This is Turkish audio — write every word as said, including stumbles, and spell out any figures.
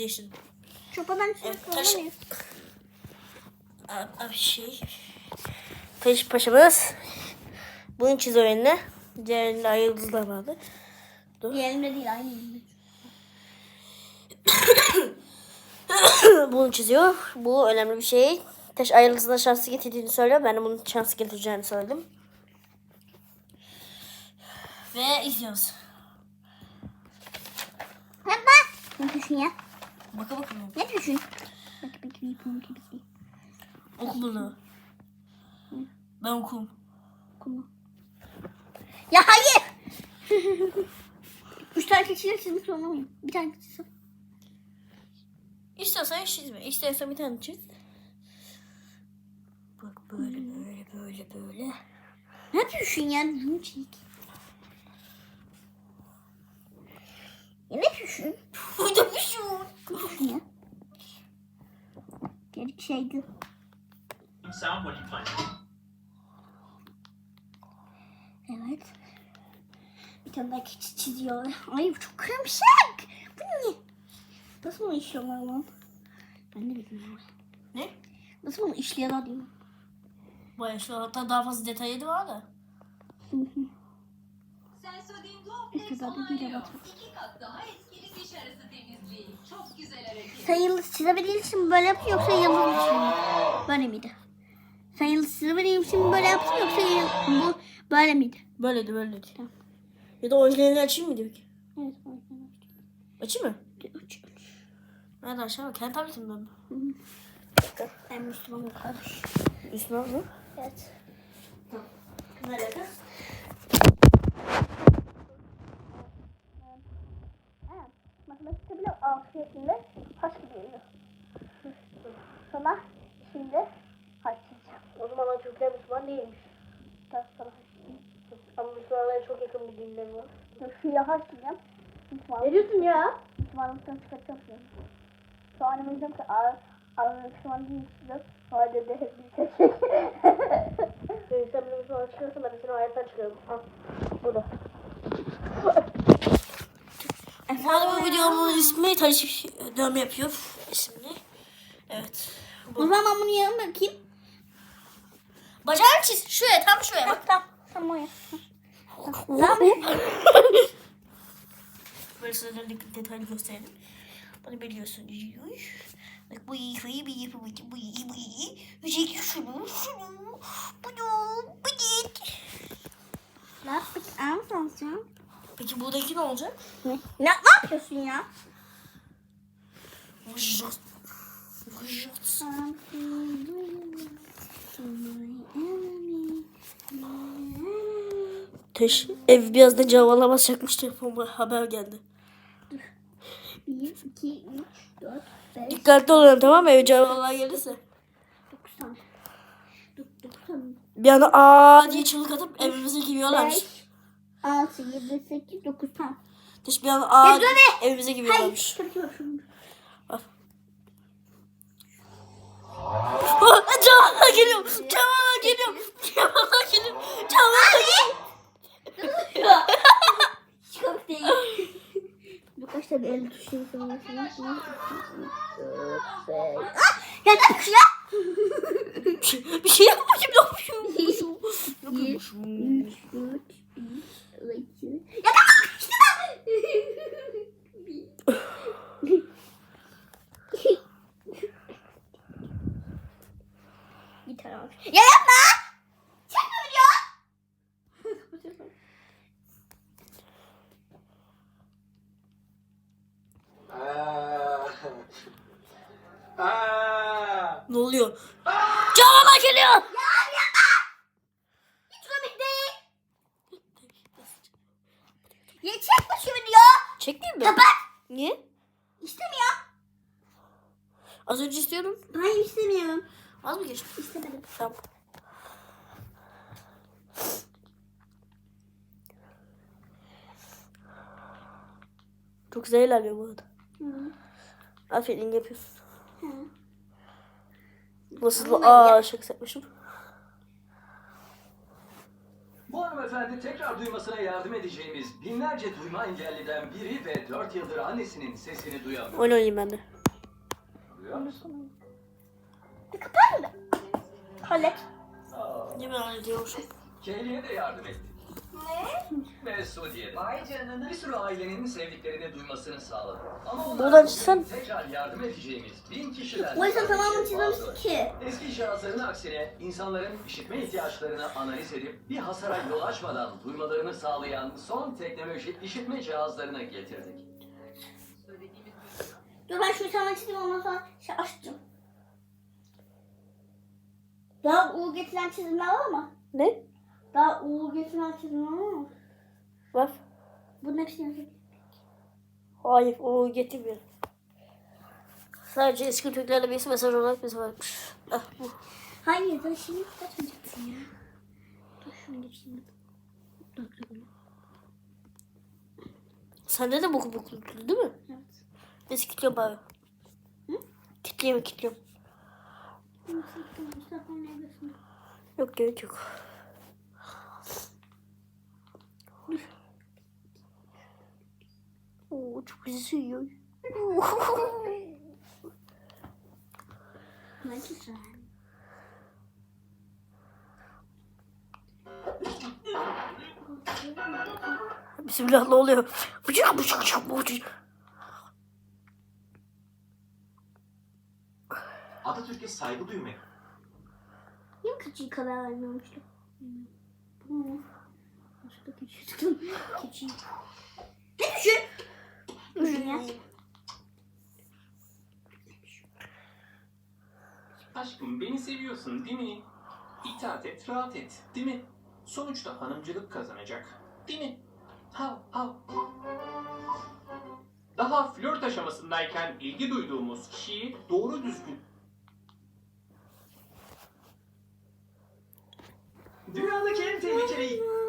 Değiştirdim. Çopadan Evet, çıkıyor taş... muyuz? Abi şey... Taş paşamız. Bunun çiziyor eline. Diğerinde ay yıldızlar vardı. Dur. Diğerinde değil, aynı yerinde. Bunu çiziyor. Bu önemli bir şey. Taş ay yıldızına şanslı getirdiğini söylüyor. Ben de bunun şanslı getireceğini söyledim. Ve izliyoruz. Hadi ne düşün ya? Baka bakalım. Ne düşün? Bak bak bir pum gibi. Oku bunu. Ben okum. Okuma. Ya hayır. Üç tane keçiyle çizmek zorunda mıyım? Bir tane çizsem. İstiyorsan çizme. İstiyorsan bir tane çiz. Bak böyle böyle böyle böyle. Ne düşün ya? Düzgün çiz. Ya ne düşün? Burada bir şey var. Ne düşün ya? Gerek şeydi. Sound what you find. Evet. Bir tane daha keçi çiziyor. Ay bu çok kırımsak. Bu ne? Nasıl bunu işliyorlar lan? Ben de bilmiyorum. Ne? Nasıl bunu işliyorlar diyorum. Bayağı şu hatta daha fazla detayı da var da. Sensodyne İşte Duoflex daha da değil, onaylıyor. evet. İki kat daha etkili diş arası temizliği. Çok güzel hareket. Sen yıldız çizebildiğin için mi böyle yaptın yoksa yıldız için mi? Böyle miydi? Sen yıldız çizebildiğin için mi böyle yaptın yoksa yıl- bu böyle miydi? Böyleydi böyleydi. Tamam. Ya da orijinalini açayım mı diyor ki? Evet. Açayım mı? Üç. Nerede aşağı bak. Kendi tabletimden mi? Ben Müslümanım kardeş. Müslüman mı? Evet. Ne alaka? Matematikte bile altı yaşında haç gidiyor. Sana şimdi haç çizeceğim. O zamanlar Türkler Müslüman değilmiş. Biraz sana haç çizeceğim. Ama Müslümanlara çok yakın bir dinleri var. Şuraya haç çizeceğim. Müslüman. Ne diyorsun ya? Müslümanlıktan çıkartacağım şimdi. Sonra anneme diyeceğim ki ağır ağır Müslüman değil çizeceğiz. Sonra dedi hep bir çekecek. Sen benim Müslüman çıkarırsan ben de seni hayattan çıkarırım. Al. Burada. Hadi bu videomun ismi Taş dövme yapıyor isimli. Evet. O zaman ben bunu yarım bırakayım. Bacağını çiz. Şuraya tam şuraya bak. Tamam. Tamam o ya. Böyle sana detaylı gösterelim. Bunu biliyorsun. Bak bu iyi, bu iyi, bu iyi, bu iyi, bu iyi, bu iyi. Yüzeyli şunu, şunu, bunu, bu değil. Ne yaptık? Anlatsın. Peki buradaki ne olacak? Ne? Ne, ne yapıyorsun ya? Vıjjat. Vıjjat. Teş, ev biraz da cavalamazacakmış telefon haber geldi. bir, iki, üç, dört, beş, Dikkatli olun tamam mı? Ev cavalar gelirse. dokuz tane. dokuz tane. Bir anda aa diye çığlık atıp evimize giriyorlarmış. beş, altı, yedi, sekiz, dokuz tane. Teş bir anda aa Ya dur diye be! evimize giriyorlarmış. Hayır. Şöyle şunu. Cavalar geliyor. Cavalar geliyor. Cavalar geliyor. Cavalar geliyor. Çok değil. Birkaç tane el tuşu sonrasında. Ya ne yapıyorsun ya? Bir şey yapmışım. Ne yapmışım? Bir, üç, dört, beş, altı. Ya tamam işte bir tane almış. Ya yapma! Çekme video! Ne oluyor? Cavalar geliyor. Ya yapma! Hiç komik değil. Ya çekme şu video! Çekmeyeyim mi? Kapat! Niye? İstemiyorum. Az önce istiyordum. Hayır istemiyorum. Az mı geçti? İstemedim. Tamam. Çok güzel ilerliyor bu arada. Hı. Aferin yapıyorsun. Hı. Nasıl? Ama Aa şaka yapmışım. Bu hanımefendi tekrar duymasına yardım edeceğimiz binlerce duyma engelliden biri ve dört yıldır annesinin sesini duyamıyor. Oyun oynayayım ben de. biliyor musun? Bir kapar mı? Hallet. Aa, Ne ben hallediyormuşum? Kelly'e de yardım ettik. Ne? Ve Sudi'ye de. Vay canına. Bir sürü ailenin sevdiklerini duymasını sağladı. Ama Buradan onlar çıksam- tekrar yardım edeceğimiz bin kişiden... O yüzden tamamını şey çizmemiştik fazla. ki. Eski cihazların aksine insanların işitme ihtiyaçlarını analiz edip bir hasara yol açmadan duymalarını sağlayan son teknoloji işitme cihazlarını getirdik. Dur ben şu sana çizeyim ondan sonra şey açacağım. Daha uğur getiren çizimler var mı? Ne? Daha uğur getiren çizimler var mı? Var. Bunun hepsini yazayım. Hayır, o getirmiyor. Sadece eski Türklerle birisi mesaj olarak bize varmış. Ah bu. Hayır da şimdi kaçmayacaksın ya. Dur şunu geçeyim. Dur dur dur. Sende de boku boku değil mi? Evet. Neyse kilitliyorum bari. Hı? Kilitleyeyim kilitliyorum. Mustafa neredesin? Yok gerek yok. Oo çok üzüyor. Ne güzel. Bismillah ne oluyor? Bıçak bıçak bıçak bıçak. Atatürk'e saygı duymak. Niye keçiyi kadar vermiyormuştum? Bu mu? Başka keçi tutun. Keçi. Ne düşün? Düşün ya. Aşkım beni seviyorsun değil mi? İtaat et, rahat et değil mi? Sonuçta hanımcılık kazanacak değil mi? Hav hav. Daha flört aşamasındayken ilgi duyduğumuz kişiyi doğru düzgün... Dünyadaki en tehlikeli